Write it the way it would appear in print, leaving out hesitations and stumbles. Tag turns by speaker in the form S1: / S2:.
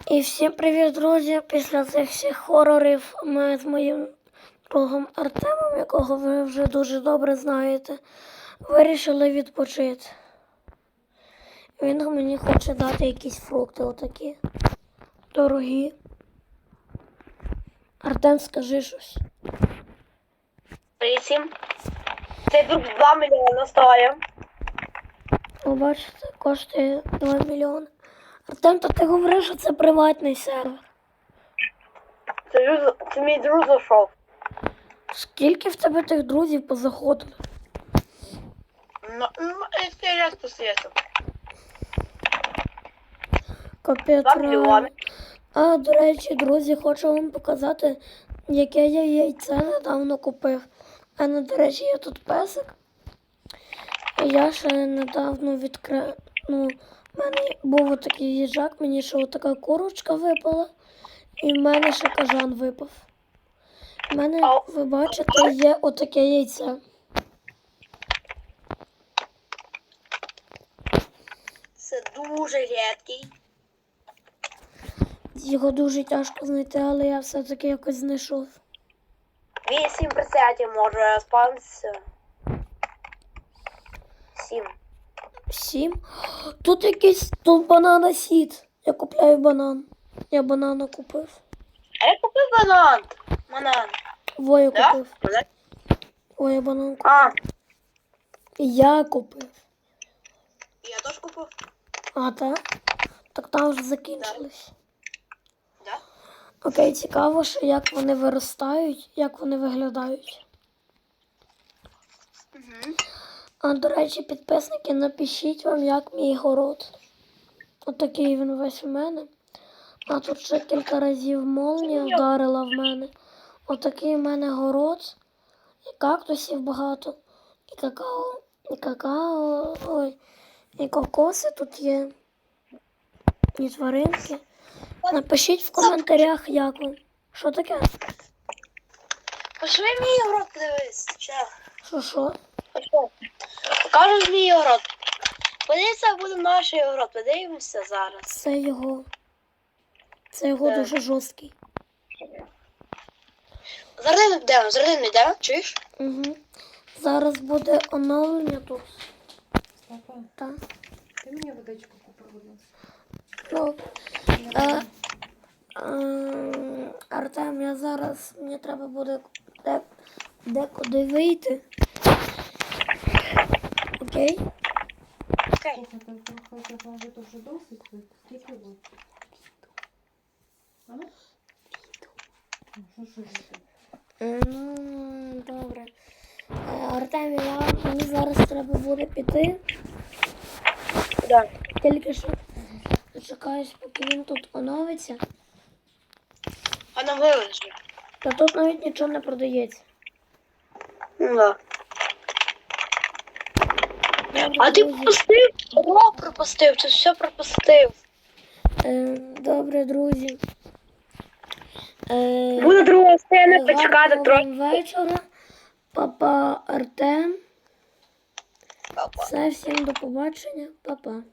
S1: І всім привіт, друзі! Після цих всіх хорорів ми з моїм другом Артемом, якого ви вже дуже добре знаєте, вирішили відпочити. Він мені хоче дати якісь фрукти отакі. Дорогі. Артем, скажи щось.
S2: Вісім. Цей друг 2 мільйони стоїть.
S1: Ви бачите, коштує 2 мільйони. Артем, то ти говориш, що це приватний сервер.
S2: Це мій друг зайшов.
S1: Скільки в тебе тих друзів позаходили?
S2: Ну, який раз по світу.
S1: Капець.
S2: 2 мільйони.
S1: А, до речі, друзі, хочу вам показати, яке я яйце недавно купив. А не, до речі, є тут песик. Я ще недавно відкрив. Ну, в мене був отакий їжак, мені ще отака курочка випала. І в мене ще кажан випав. У мене, ви бачите, є отаке яйце.
S2: Це дуже рідкий.
S1: Його дуже тяжко знайти, але я все-таки якось знайшов.
S2: 8% може спавнитися. 7.
S1: 7? Тут якийсь, тут банана сід. Я купляю банан. Я банана купив.
S2: А я купив банан. Банан.
S1: Во, я
S2: Да?
S1: купив.
S2: Банан?
S1: Ой, я банан купив.
S2: А,
S1: Я купив.
S2: я теж купив.
S1: А, так? Так там вже закінчились.
S2: Да?
S1: Окей, цікаво, що як вони виростають, як вони виглядають.
S2: Угу.
S1: А, до речі, підписники, напишіть вам, як мій город. Отакий він весь у мене. А тут ще кілька разів молнія вдарила в мене. Отакий в мене город. І кактусів багато. І какао, ой, і кокоси тут є. І тваринки. Напишіть в коментарях, як вам. Що таке?
S2: Пошли мій город подивись.
S1: Що?
S2: Покажу мій город. Подивіться, буде наш город. Подивимося зараз.
S1: Це його. Це його
S2: Так.
S1: дуже жорсткий.
S2: Зараз не йдемо, чуєш?
S1: Угу. Зараз буде оновлення тут.
S3: Папа,
S1: Так.
S3: ти мені водичку купив, будь ласка.
S1: Ну, Артем, я зараз, мені треба буде декуди вийти. Окей?
S2: Окей.
S3: Слухайте, трохи вже дуже досить. Скільки ви? А? Що робити?
S1: Ну, добре. Артем, мені зараз треба буде піти.
S2: Да.
S1: Тільки що дочекаюсь, поки він тут оновиться.
S2: Вона вилежить.
S1: Та тут навіть нічого не продається.
S2: Ну да.
S1: Добре,
S2: А ти
S1: друзі.
S2: пропустив? Урок пропустив, ти все пропустив.
S1: Добре, друзі.
S2: Буде друга сцена,
S1: Гарного
S2: почекати
S1: вам
S2: трохи.
S1: вечора. Папа Артем.
S2: Папа.
S1: Все, всім до побачення. Папа.